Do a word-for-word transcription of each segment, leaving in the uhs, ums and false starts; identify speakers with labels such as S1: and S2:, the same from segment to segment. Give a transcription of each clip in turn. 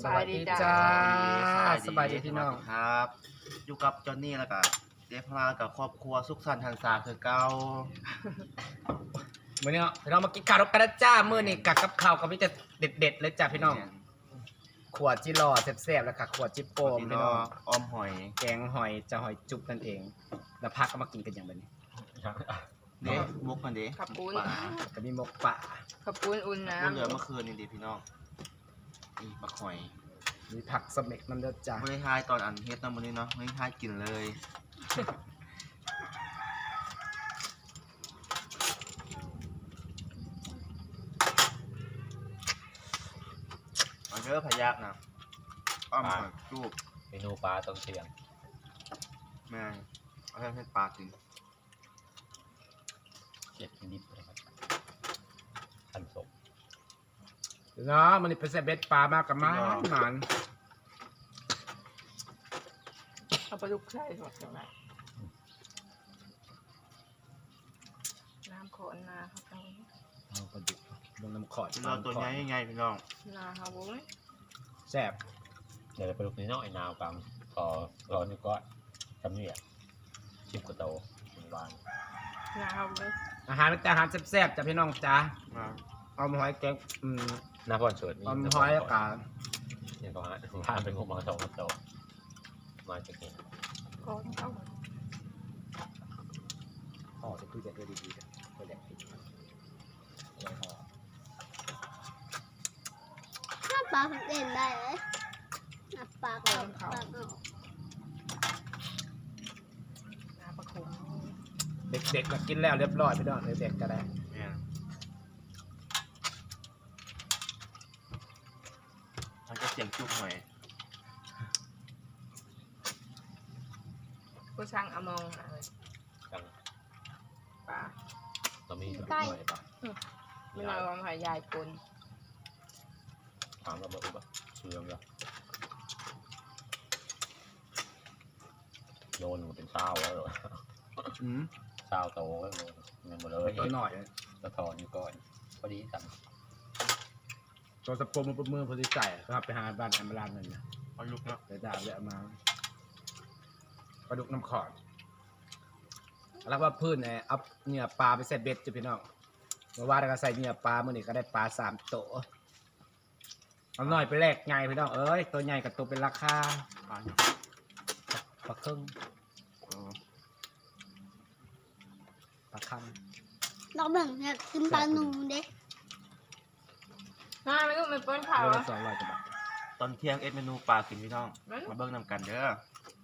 S1: สวัสดีจ้าสบายดีพี่น้อง
S2: ครับอยู่กับจอนนี่แล้วก็เจ๊พลากับครอบครัวสุขสันต์หันษาคือเก่า
S1: มื้อนี้พี่น้องมากินข้าวกันนะจ้ามื้อนี้กักกับข้าวกับมีแต่เด็ดๆเลยจ้าพี่น้องขวดจิรอแซ่บๆแล้วค่ะขวดจิโป้มพี่น้อง
S2: ออมหอย
S1: แกงหอยจะหอยจุ๊บนั่นเองแล้วพักก็มากินกันอย่างแบบนี้
S2: เด้มุกกันเด้
S3: ขับปูน
S1: ก็มีหมกป่า
S3: ขับปูนอุ่นน้
S2: ำเหลือเมื่อคืนนี่ดิพี่น้องนี่ปลาหอย
S1: มีผักสเม็กน้ำเดือดจ้า
S2: ไม่ได้ทายตอนอันเฮ็ดน้ำมันนี่เนาะไม่ได้ทายกินเลยเอาเยอะพยักนะอ้อมหอยจุ๊บ
S4: เมนูปลาต้มเสียง
S2: แม่เอาให้ปลากิน
S4: เจ็ดนิดเลยครับทันศพ
S1: เนาะมันนี่เป็นเศษเบ็ดปลามากกับมันมัน
S3: เอาปลาดุกใส่หมดจังไรน้ำขอนนาเขาจัง
S1: เอาปลาดุกลงน้ำขอด
S2: เราตัวใหญ่ยังไงพี่น้อง
S3: นาเขาบุ้ย
S1: แซ่บ
S4: เดี๋ยวปลาดุกนี่น้อยนาวกังพอร้อนนี่ก็ทำนี่อ่ะชิมกระโตหวาน
S3: นาเขาบุ้ย
S1: อาหารแต่อาหารแซ่บๆจ้ะพี่น้องจ้าเอาหอยแกงอืม
S4: น้ำพอนเฉิด
S1: เอาหอยแล้วกัน
S4: เนี่ยก็ฮะทานเป็นงูมังสองกระโตมาจากนี่
S3: ก้อนเขา
S1: ห่อจะตู้เย็นได้ดีๆนะก็แหลกติดไว้ห่อ
S5: ถ้าปลาเล่นได้เลยปลาเขาปลาเขา
S3: นาปลาขม
S1: เด็กๆก็กินแล้วเรียบร้อยพี่น้องเด็กๆก็ได้
S2: มันจะเสียงจุ๊บหน่อย
S3: กูช่างอมองอะไร
S4: จัง
S3: ปลา
S4: เรามีหน่อยปะ
S3: ไม่นอนหายใหญ่ปน
S4: ถามเราบอกว่าเชื่อมแล้วโยนเป็นเศร้าแล้วหรอเศร้าโตแล้วเงินหมดเลย
S1: ตัวหน่อย
S4: กระถอนอยู่ก่อนพอดีสั่ง
S1: ตัวสปอมมือมือพอดีใส่ครับไปหาบ้านแอมบาลานนั่นนะ
S2: ปลาดุกเนาะ
S1: ไปดาบเยอะมาปลาดุกน้ำขอดแล้วว่าพื้นเนี่ยเอาเนื้อปลาไปใส่เบ็ดจ้ะพี่น้องเมื่อวานเราก็ใส่เนื้อปลาเมื่อนี้ก็ได้ปลาสามโตเอาหน่อยไปแลกไงพี่น้องเอ้ยตัวใหญ่กับตัวเป็นราคาปลาปลาครึ่งปลาคัง
S5: เราแบ่งเนี่ยกินปลาหนูเด็ก
S3: มาไม่รู้มันป้อนข่าวอ่ะ
S1: สองร้อยกว่าบาท
S2: ตอนเที่ยงเอ็ดเมนูปลากินพี่น้องมาเบิ้งนำกันเด้อ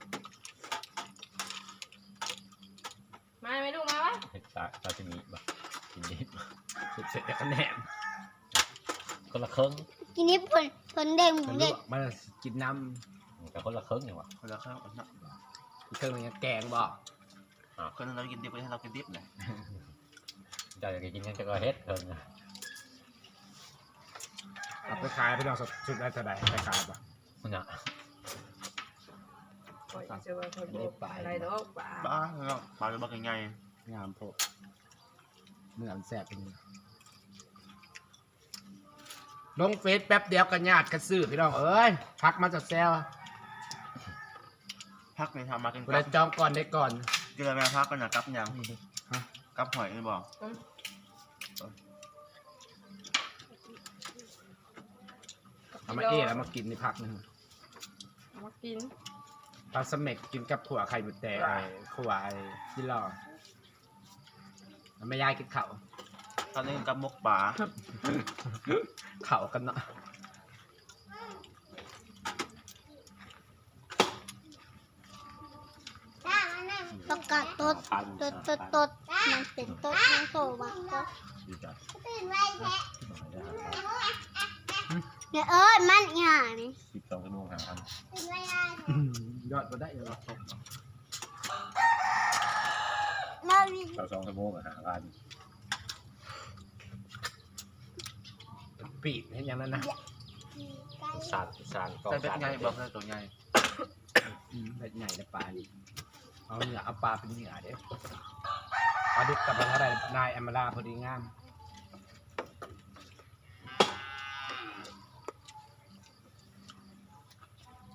S3: มาไม่รู้มาวะ
S4: เห็ดตาตาจะมีแบบกินนิด
S1: สุดเสร็จแล้วก็แหนม
S4: คนละครึ่ง
S5: กินนิดผลผลแดงหมูเด็ก
S1: มันกินน้
S4: ำแต่คนละครึ่งเนี่ยวะ
S2: คนละครึ่งคนละ
S1: เครื่องนี้แกงบอก
S2: คนนึงเรากินดิบไปให้เรากินดิบเลย
S4: จะอยากกินกันจะก็เฮ็ดเพิ่ง
S1: เอาไปขายพี่น้องสุดได้เท่าไหร่ไปขายปะ
S4: มันอะ
S3: จะว่าคนบอกอะไรดอกปลา
S2: บ้าเนาะปลาจะบอกยังไง
S1: งามพวกเนื้อแซ่บเป็นลงเฟซแป๊บเดียวกันญาติกันซื้อพี่น้องเอ้ยพักมาจากแซว
S2: พักในทำมากิน
S1: เราจองก่อนได้ก่อน
S2: กินอะไรพักกันนะกับยังกับหอยนี่บอก
S1: เอามาเอะแล้วมากินในพักนึง
S3: มากิน
S1: ปลาสเม็กกินกับขั่วไข่บุตรแดงขั่วไอ้ที่รอไม่ยายกินเข่า
S2: ตอนนี้กับมกป่า
S1: เข่ากันเนาะ
S5: ประกาศตดตดตดตดมันเป็นตดมันโตมาตดเนี่ยเอ้ยมันอีห่านี่
S4: สิบสองชั่วโมงหาอัน
S1: ยอดมาได้ยังไง
S4: เราสองชั่วโมงหาอัน
S1: ปีกเห็นอย่างนั้นนะ
S4: สานสาน
S2: ก็เป็นไงบอกเลยตัวใหญ่
S1: เป็นใหญ่ในปลาดิเอาเนื้อเอาปลาเป็นเนื้อเด้ปลาดุกกับปลาอะไรนายแอมบาลาพอดีงาม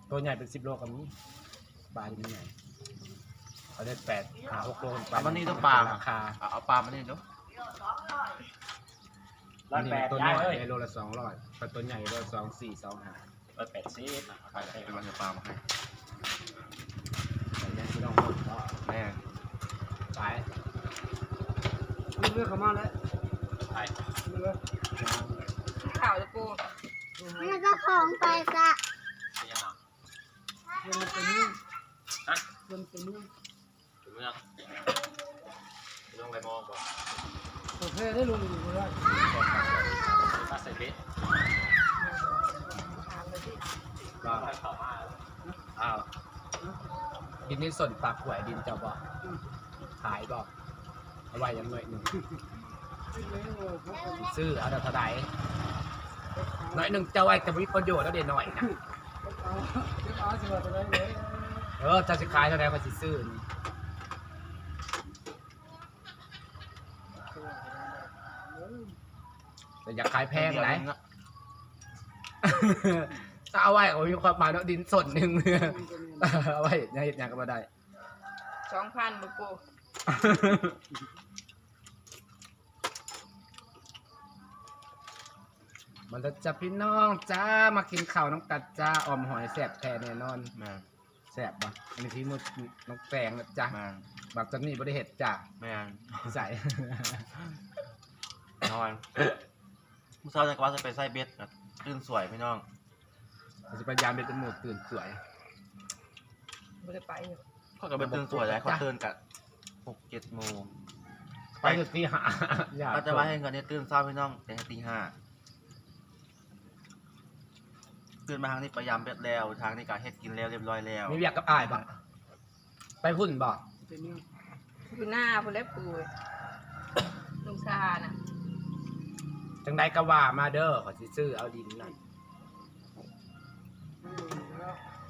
S1: ตัวใหญ่เป็นสิบโลกับนี้ปลาที่มันใหญ่เขาได้แปดหาหกโลขึ้นไป
S2: เอามันนี่ต้องปลา
S1: ราคา
S2: เอาเอาปลามานี่ดู
S4: ร้อย
S1: นี่
S4: แปด
S1: ตัว
S4: ย้าย
S1: น้อย
S4: เลย
S1: โลละสองร้อยแต่ตัวใหญ่โลละสองสี่สองห้า
S4: ร้อยแปดสิบ
S2: ไปไปวางปลามาให้
S1: แต่ยังที่ต้องหมดก็
S2: แม่
S1: ขาย
S6: เลือกเขามาแล้ว
S4: ไป
S6: เลือก
S3: ข่าวจะปู
S5: แล้วก็ของไปซะ
S4: เป็นยังไง
S6: เงินเป็นเรื่อง
S4: ฮะ
S6: เงินเป็นเรื่อง
S4: ถึงเมืองเรื่องไปมองบ่
S6: โอเคได้ลงอยู่เลย
S4: ถ้าใส่เบ็ด
S1: ก็
S4: เข้ามา
S1: อ้าวดินนี่ส่วนปากหวยดินเจ้าบอกขายบอกเอาไว้อยังหน่อยหนึ่งซื้อเอาแต่เท่าไหร่หน่อยหนึ่งเจ้าไว้จะมีประโยชน์แล้วเดี๋ยวหน่อยนะ
S6: เอาเอาสิว่าจะได้เลย
S1: เออเจ้าสิขายเท่าไหร่ก็สิซื้อนี่แต่อยากขายแพงไหน ถ้าเอาไว้โอ้ยมีความหมายเนาะดินส่วนหนึ่ง เอาไว้ยังเห็ดหยังก็มาได้
S3: สองพันบ่ปู
S1: มันจะจับพี่น้องจ้ามากินข้าวน้ำกัดจ้าออมหอยแสบแท้แน่นอน
S2: แม่
S1: แสบป่ะอันนี้ที่มุดน้องแปงนะจ้า
S2: แม่
S1: บักจันนี่บริเห็ดจ้า
S2: แม่
S1: ใส่
S2: นอนมุสาวจะกว่าจะไปใส่เบ็ดนะตื่นสวยพี่น้อง
S1: เราจะพยายามเป็นจมูกตื่นสวย
S3: บ่ได้ไปอยู่
S2: เขาก็ไปตื่นสวยแล้วเขาตื่นกันหกเจ็ดโมง
S1: ไปอยู่ที่หาอย่า
S2: ก็จะว่าให้เงินเนี่ยตื่นเช้าพี่น้องแต่ตีห้าตื่นมาทางนี้พยายามเบ็ดแล้วทางนี้ก็เฮ็ดกินแล้วเรียบร้อยแล้ว
S1: มีอยากกับอายป่ะไปหุ่นบ่
S6: เป็นเรื่อง
S3: อยู่หน้าพุ่นแล้วปูลุงซาน่ะ
S1: จังใดก็ว่ามาเด้อขอสิซื้อเอาดินนั่น
S6: แล้ว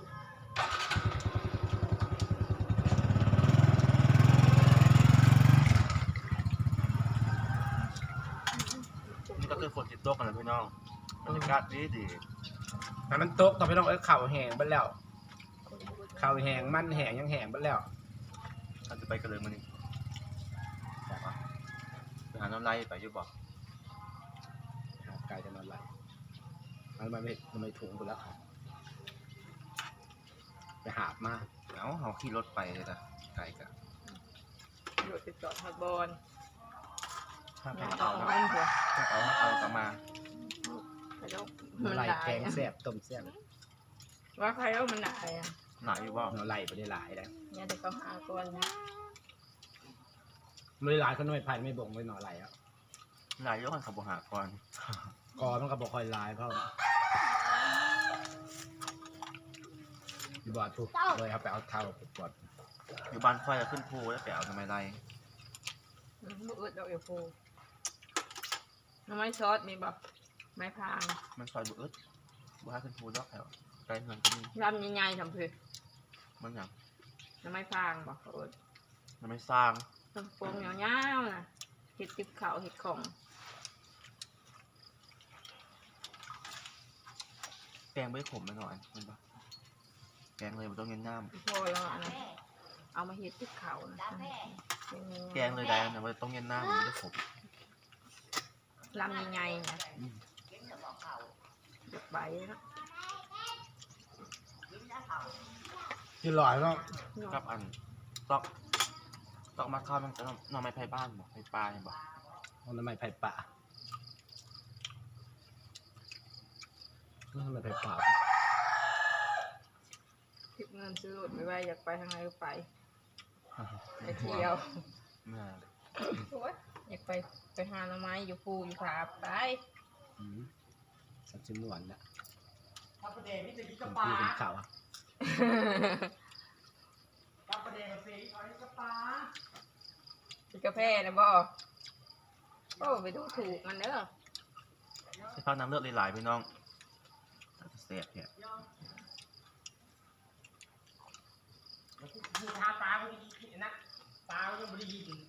S2: นี่ก็คือฝนติดตกกันแล้วพี่น้องบรรยากาศดีดี
S1: ให้มันตกต่อไปน้องเอ้ยเข่าวแห้งไปแล้วเข่าวแห้งมันแห้งยังแห้งไปแล้ว
S2: เราจะไปกันเลยมื้อนี้ไปหาน้ำลายไปอยู่บ่
S1: ไก่จะนอนไหลมันไม่มันไม่ถุงไปแล้วไปหาบมา
S2: เอ้าเขาขี่รถไปเลยนะไกลกัน
S3: รถไปจอดฮอดบอล
S1: ถ้าไป
S3: ยัง
S1: เอา
S3: เอาเงินหัว
S2: ถ้าเอาเอากลับมา
S3: ไปแล้ว
S1: หน่
S3: มั
S1: อน ไหล
S3: หลาย
S1: แกง
S3: อะ
S1: แซ่บต้มแซ่บ
S3: ว่าใครแล้วมันหลายอ่ะ
S2: หลายอยู่บ่
S1: หน่อไหลไปได้หลายแล้ว
S3: เนี่ยเดี๋ยวเขาหาก่อนนะ
S1: ไม่ได้หลายเขาหน่วยพันไม่บ่งไม่หน่อไหลอ่ะ
S2: หลายอยู่กันขับบ่หาก่อน
S1: กอมันก็บอกคอยหลายเพราะอยู่บอดปุ๊บเลยครับไปเอาเท้าปุ๊บบอด
S2: อยู่บ้านค่อยจะขึ้นภูแล้วไปเอาทำไมไร
S3: อืมบ่อึดดอกเอวปูน้ำไม้ซอสมีบ่ไม้พาง
S2: มันซอยบุอึดบุหาขึ้นภูแล้วแถวไกลเงินก็มี
S3: ลำใหญ่ๆทำเพื่อ
S2: มันอย่าง
S3: น้ำไม้พางบ่เขาเอิ้น
S2: มันไม่สร้าง
S3: ต้นโป่งยาวๆน่ะเห็ดติบเขาวเห็ดของ
S2: แกงไม่ขมไปหน่อยมันปะแกงเลยมันต้องเงินน้
S3: พอแล้วอันนั้นเอามาเห็ดติบเขาวนะเป็นไ
S2: ำแกงเลยได้นะมันต้องเงินน้ำมันไม่ได้ขม
S3: ลำใหญ่ๆนะเด็กใบนะ
S1: ที่หลอยก็
S2: กับอันตอกตอกมาข้าวมันจะหน่อไม้ไผ่บ้านบอกไผ่ปลาเนี่ยบอก
S1: เอาทำไมไผ่ป่าทำไมไผ่ป่า
S3: คิดเงินซื้อรถไม่ไหวอยากไปทางไหนก็ไปไปเที่ยว
S2: แม่
S3: โอ๊ยอยากไปไปหาหน่อไม้อยู่ภูอยู่ผาไป
S1: อืมสับชิมหวานนะ
S6: ถ้าประเดี๋ยวนี่จะกิน
S1: เป็
S6: กับ
S1: น
S6: ปลา
S1: พี่เป็นข่าวอะ
S6: ถ้าประเดี๋ยวเสียเอากับปลา
S3: กินกาแฟนะบ่โอ้ไปดูถูกมันเด้อ
S2: ใช้ข้าวน้ำเลือดหลายๆพี่น้องเสียบเนี่ย
S6: อยู่ทาปลาไม่ได้กินนะปลายังไม่ได้กิน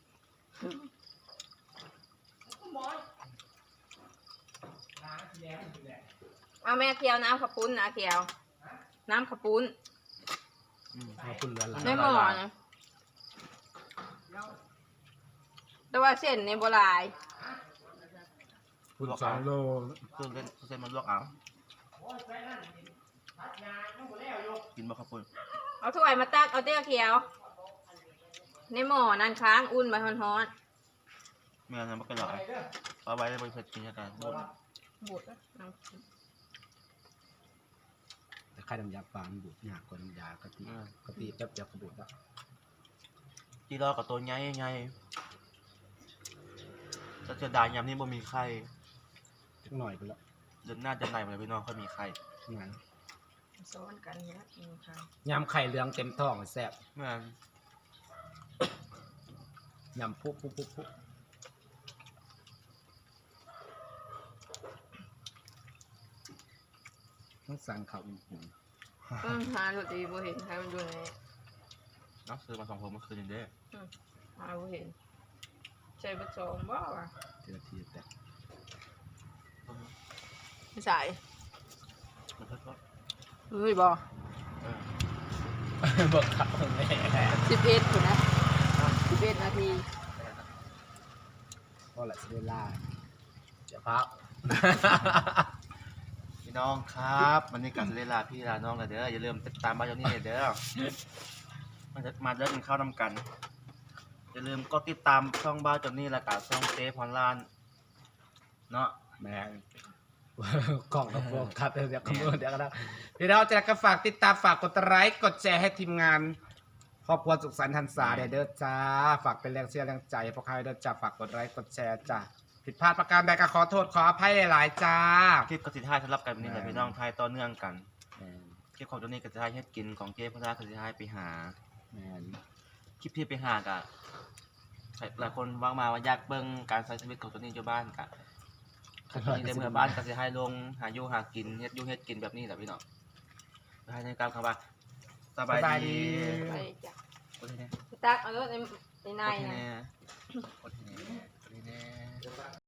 S6: บอยล้างทีแล้วทีแล้ว
S3: เอาแม่เคียวน้ำขับปุ้นนะเคียวน้ำขปุ้น
S2: อืม
S1: เอาคุณเรือนหลัง
S3: ในหม้อนะแต่ว่าเส้นในโบราณ
S1: คุณสองโล
S2: เครื่องเล่นเส้นมันลวกเอากินบ่ครับคุณ
S3: เอาถ้วยมาตักเอาเตี้ยเขียว ในหม้อนั่นค้างอุ่นไปฮ้อน
S2: แม่นั้นมันก็หลายเอาไว้ได้บริษัทกินกันหมด
S3: ๆบุดน้ำ
S1: แต่ไข่น้ำยาปลามันบุดยากกว่าน้ำยากะทิกะทิแป๊บเดียวก็บุดแล้ว
S2: จีรอกับตัวใหญ่ใหญ่จะจะได้ยำนี่บ่มีไข่
S1: จักหน่อยไปแล้ว
S2: เดือนหน้าจะไหนมาเลยพี่น้องค่อยมีไข่
S1: งาน
S3: ซ้อนกันเนี้ยอืมค่ะ
S1: ยำไข่เหลืองเต็มท้องแซ่บ
S2: แม่น
S1: ยำปุ๊บปุ๊บปุ๊บปุ๊บต้องสั่งข้าวอุ่น
S3: ต้นหาดูดีบ่เห็นใครมันอยู่ใน
S2: น้องซื้อมาสองพวงเมื่อคืนนี่เด้อ
S3: หาบ่เห็นใช้เบอร์สองบ่วะ
S1: ๆทีละทีแต่
S3: ไม่ใส่
S2: มันก็ก็
S3: เฮ้ยบ่
S2: เออ
S1: บอกข้าวแม่
S3: สิบเอ็ดคนนะสิบเอ็ดนาที
S1: ก็แหละสิได้ล่าเดี๋ยวพัก
S2: พี่น้องครับวันนี้กลับเวลาพี่ลาน้องแล้วเด้ออย่าลืมติดตามบ้านเจ้านี่เด้อมันจะมาเด้อกินข้าวนำกันอย่าลืมก็ติดตามช่องบ้านเจ้านี่และกับช่องเจ๊พรลานเนาะ
S1: แม่ง กล่องกับโฟกัสเดี๋ยวคำนวณเดี๋ยวก็ได้พี่เราจะก็ฝากติดตามฝากกดไลค์กดแชร์ให้ทีมงานครอบครัวสุขสันต์หันษาเด้อเด้อจ้าฝากเป็นแรงเชียร์แรงใจให้พวกใครเด้อจ้าฝากกดไลค์กดแชร์จ้าผิดพลาดประการใดก็ขอโทษขออภัยหลายๆจ้า
S2: คลิปกสิทายสำหรับกันวันนี้แหละ
S1: แม่น
S2: พี่น้องไทยต่อเนื่องกัน
S1: แม่น
S2: คลิปของเจ้านี่กสิทายเฮ็ดกินของเจ๊พรลานกสิทายไปหา
S1: แม่น
S2: คลิปที่ไปหากะหลายคนว่างมาว่าอยากเบิ่งการใช้ชีวิตของเจ้านี่เจ้าบ้านกะคันนี้ในเมืองบ้านกสิทายลงหาอยู่หากินเฮ็ดอยู่เฮ็ดกินแบบนี้แหละพี่น้องไปในการคำว่าสบายดี
S3: ไปจ้ะ
S2: โอเคแน่
S3: ไปตักเอารถในในใน
S2: โอเค
S3: นะ
S2: แน่โอเคแน่โอเคแน่